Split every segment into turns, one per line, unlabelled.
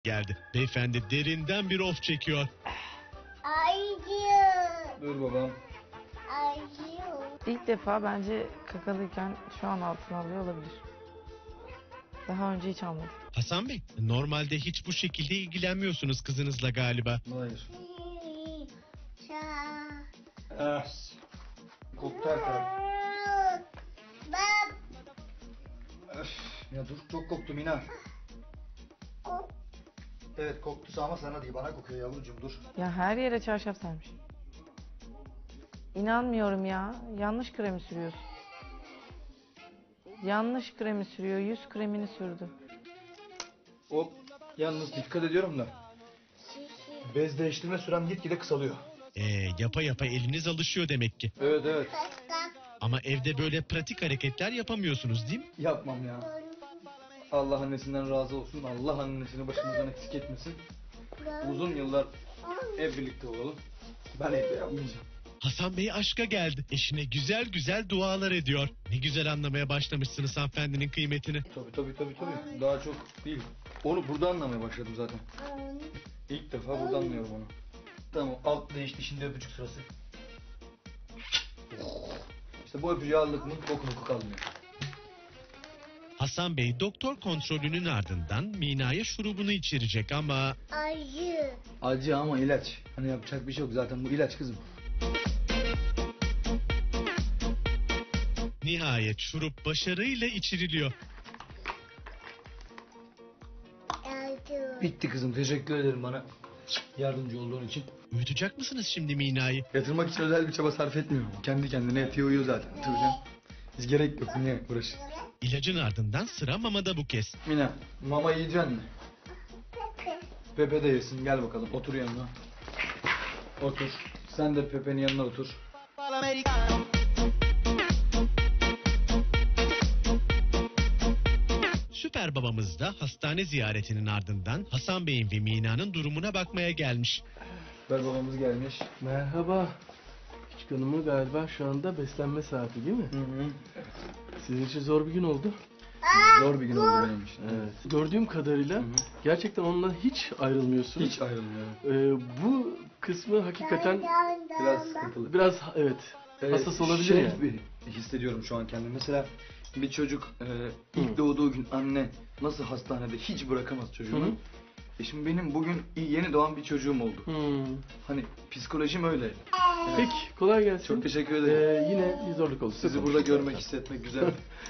geldi. Beyefendi derinden bir of çekiyor.
Acıyor.
Dur babam.
Acıyor.
İlk defa bence kakalıyken şu an altına alıyor olabilir. Daha önce hiç almadım.
Hasan Bey, normalde hiç bu şekilde ilgilenmiyorsunuz kızınızla galiba.
Hayır.
Ça.
Koktu her taraf.
Bab.
Öf, ya dur çok koktu Mina. Evet koktu ama sana değil bana kokuyor yavrucuğum dur.
Ya her yere çarşaf sermiş. İnanmıyorum ya. Yanlış kremi sürüyorsun. Yanlış kremi sürüyor. Yüz kremini sürdü.
Hop yalnız dikkat ediyorum da. Bez değiştirme sürem gitgide kısalıyor.
Yapa yapa eliniz alışıyor demek ki.
Evet evet.
Ama evde böyle pratik hareketler yapamıyorsunuz değil mi?
Yapmam ya. Allah annesinden razı olsun. Allah annesini başımızdan eksik etmesin. Uzun yıllar ev birlikte olalım. Ben evde yapmayacağım.
Hasan Bey aşka geldi. Eşine güzel güzel dualar ediyor. Ne güzel anlamaya başlamışsınız hanımefendinin kıymetini.
Tabii. Daha çok değil. Onu burada anlamaya başladım zaten. İlk defa burada anlıyorum onu. Tamam alt değişti şimdi öpücük sırası. İşte bu öpücüğü aldık mı koku kalmıyor.
Hasan Bey doktor kontrolünün ardından Mina'ya şurubunu içirecek ama...
Acı.
Acı ama ilaç. Hani yapacak bir şey yok zaten bu ilaç kızım.
Nihayet şurup başarıyla içiriliyor.
Acı.
Bitti kızım teşekkür ederim bana yardımcı olduğun için.
Uyutacak mısınız şimdi Mina'yı?
Yatırmak için özel bir çaba sarf etmiyorum. Kendi kendine yatıyor uyuyor zaten. Tabii canım. Biz gerek yok niye uğraşın.
İlacın ardından sıra mamada bu kez.
Mina mama yiyeceksin mi? Pepe de yesin gel bakalım otur yanına. Otur. Sen de Pepe'nin yanına otur.
Süper babamız da hastane ziyaretinin ardından Hasan Bey'in ve Mina'nın durumuna bakmaya gelmiş.
Süper babamız gelmiş.
Merhaba. Küçük hanımı galiba şu anda beslenme saati değil mi?
Hı.
Sizin için zor bir gün oldu.
Zor bir gün oldu benim için.
Evet. Gördüğüm kadarıyla gerçekten ondan hiç ayrılmıyorsunuz.
Hiç ayrılmıyorum.
Bu kısmı hakikaten
Biraz sıkıntılı.
biraz evet hassas olabilir yani.
Bir hissediyorum şu an kendimi. Mesela bir çocuk ilk doğduğu gün anne nasıl hastanede hiç bırakamaz çocuğunu.
Hı hı.
Şimdi benim bugün yeni doğan bir çocuğum oldu. Hani psikolojim öyle. Evet.
Peki kolay gelsin.
Çok teşekkür ederim.
Yine bir zorluk oldu.
Sizi burada görmek, hissetmek güzel.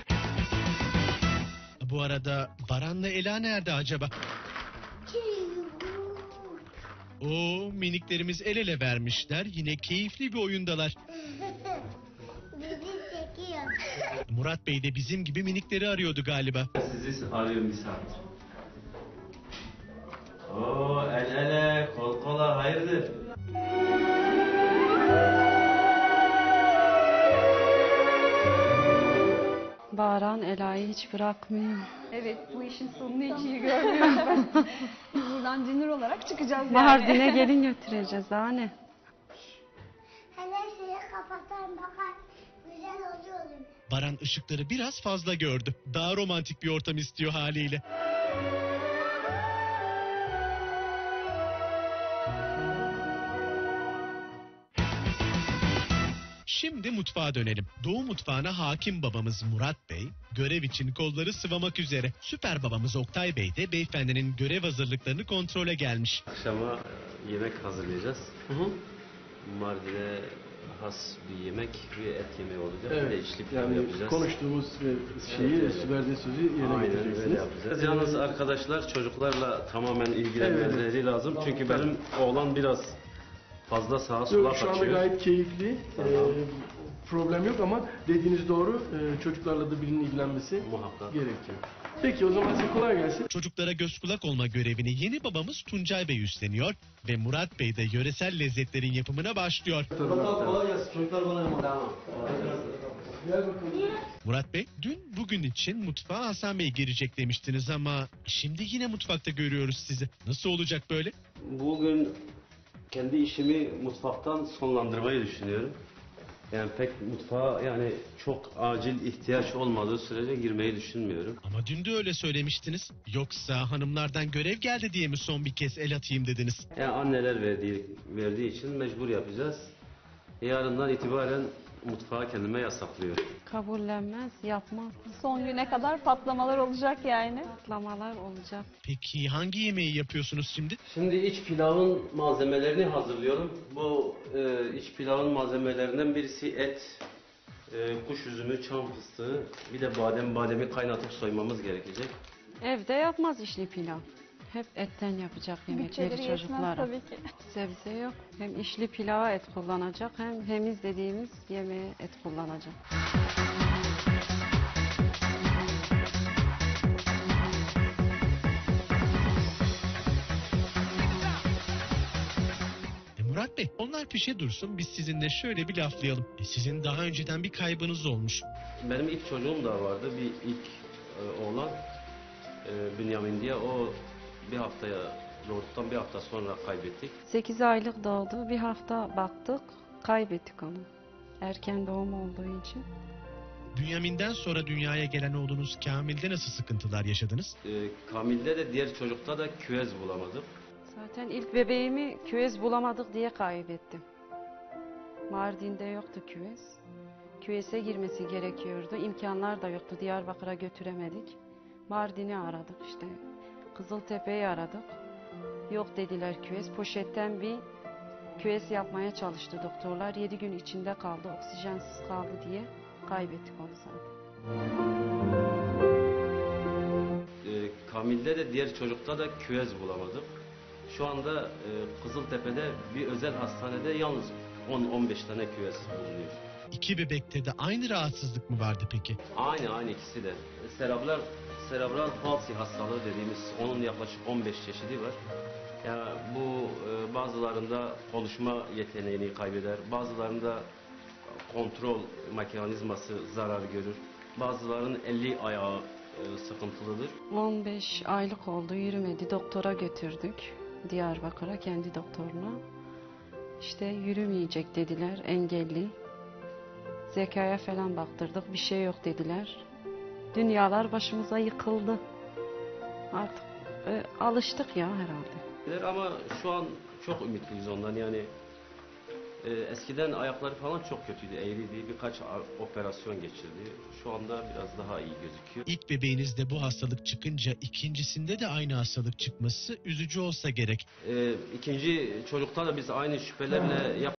Bu arada Baran'la Ela nerede acaba? Oo, miniklerimiz el ele vermişler. Yine keyifli bir oyundalar.
Bizi çekiyor.
Murat Bey de bizim gibi minikleri arıyordu galiba.
Sizi arıyorum bir saat. Oo el ele kol kola hayırdır?
Baran Ela'yı hiç bırakmıyor.
Evet, bu işin sonunu hiç iyi görmüyorum ben. Biz buradan Cinur olarak çıkacağız yani.
Mardin'e gelin götüreceğiz daha ne?
Hele şeyi kapatan bakar. Güzel oluyor.
Baran ışıkları biraz fazla gördü. Daha romantik bir ortam istiyor haliyle. Şimdi mutfağa dönelim. Doğu mutfağına hakim babamız Murat Bey, görev için kolları sıvamak üzere. Süper babamız Oktay Bey de beyefendinin görev hazırlıklarını kontrole gelmiş.
Akşama yemek hazırlayacağız. Mardin'e has bir yemek, bir et yemeği olacak. Bir de
Evet.
içli pilav
Yani
yapacağız.
konuştuğumuz şeyi,
Evet.
verdiği sözü yerine
Aynen öyle
getireceksiniz.
yapacağız. Yalnız arkadaşlar çocuklarla tamamen ilgilenmeleri lazım. Çünkü benim oğlan biraz fazla sağa sola
Yok, şu anda
kaçıyor.
gayet keyifli.
Tamam.
Problem yok ama dediğiniz doğru. Çocuklarla da birinin ilgilenmesi
Muhakkak.
gerekiyor. Peki o zaman size kolay gelsin.
Çocuklara göz kulak olma görevini yeni babamız Tuncay Bey üstleniyor ve Murat Bey de yöresel lezzetlerin yapımına başlıyor.
Kolay gelsin çocuklar bana emanet.
Gel bakalım.
Murat Bey, dün bugün için mutfağa Hasan Bey girecek demiştiniz ama şimdi yine mutfakta görüyoruz sizi. Nasıl olacak böyle?
Bugün kendi işimi mutfaktan sonlandırmayı düşünüyorum. Yani pek mutfağa yani çok acil ihtiyaç olmadığı sürece girmeyi düşünmüyorum.
Ama dün de öyle söylemiştiniz. Yoksa hanımlardan görev geldi diye mi son bir kez el atayım dediniz?
Yani anneler verdiği için mecbur yapacağız. Yarından itibaren mutfağı kendime yasaklıyorum.
Kabullenmez, yapmaz.
Son güne kadar patlamalar olacak yani.
Patlamalar olacak.
Peki hangi yemeği yapıyorsunuz şimdi?
Şimdi iç pilavın malzemelerini hazırlıyorum. Bu iç pilavın malzemelerinden birisi et, kuş üzümü, çam fıstığı, bir de bademi kaynatıp soymamız gerekecek.
Evde yapmaz işli pilav. Hep etten yapacak yemekleri
Bütçeleri yetmez
çocuklara.
tabii ki.
Sebze yok. Hem işli pilava et kullanacak hem hemiz dediğimiz yemeğe et kullanacak.
Murat Bey, onlar pişe dursun, biz sizinle şöyle bir laflayalım. Sizin daha önceden bir kaybınız olmuş.
Benim ilk çocuğum da vardı, bir ilk oğlan Bünyamin diye. O doğduktan bir hafta sonra kaybettik.
8 aylık doğdu. Bir hafta baktık, kaybettik onu. Erken doğum olduğu için.
Bünyamin'den sonra dünyaya gelen oğlunuz Kamil'de nasıl sıkıntılar yaşadınız?
Kamil'de de diğer çocukta da küvez bulamadık.
Zaten ilk bebeğimi küvez bulamadık diye kaybettim. Mardin'de yoktu küvez. Küveze girmesi gerekiyordu. İmkanlar da yoktu. Diyarbakır'a götüremedik. Mardin'i aradık işte. Kızıltepe'yi aradık. Yok dediler küvez. Poşetten bir küvez yapmaya çalıştı doktorlar. 7 gün içinde kaldı. Oksijensiz kaldı diye kaybettik onu zaten.
Kamil'de de diğer çocukta da küvez bulamadık. Şu anda Kızıltepe'de bir özel hastanede yalnız 10-15 tane küvez bulunuyor.
İki bebekte de aynı rahatsızlık mı vardı peki?
Aynı ikisi de. Serebral palsi hastalığı dediğimiz, onun yaklaşık 15 çeşidi var. Yani bu bazılarında konuşma yeteneğini kaybeder, bazılarında kontrol mekanizması zarar görür, bazılarının eli ayağı sıkıntılıdır.
15 aylık oldu, yürümedi. Doktora götürdük. Diyarbakır'a, kendi doktoruna. İşte yürümeyecek dediler, engelli. Zekaya falan baktırdık, bir şey yok dediler. Dünyalar başımıza yıkıldı. Artık alıştık ya herhalde.
Ama şu an çok ümitliyiz ondan yani. Eskiden ayakları falan çok kötüydü, eğriydi. Birkaç operasyon geçirdi. Şu anda biraz daha iyi gözüküyor.
İlk bebeğinizde bu hastalık çıkınca ikincisinde de aynı hastalık çıkması üzücü olsa gerek.
İkinci çocukta da biz aynı şüphelerle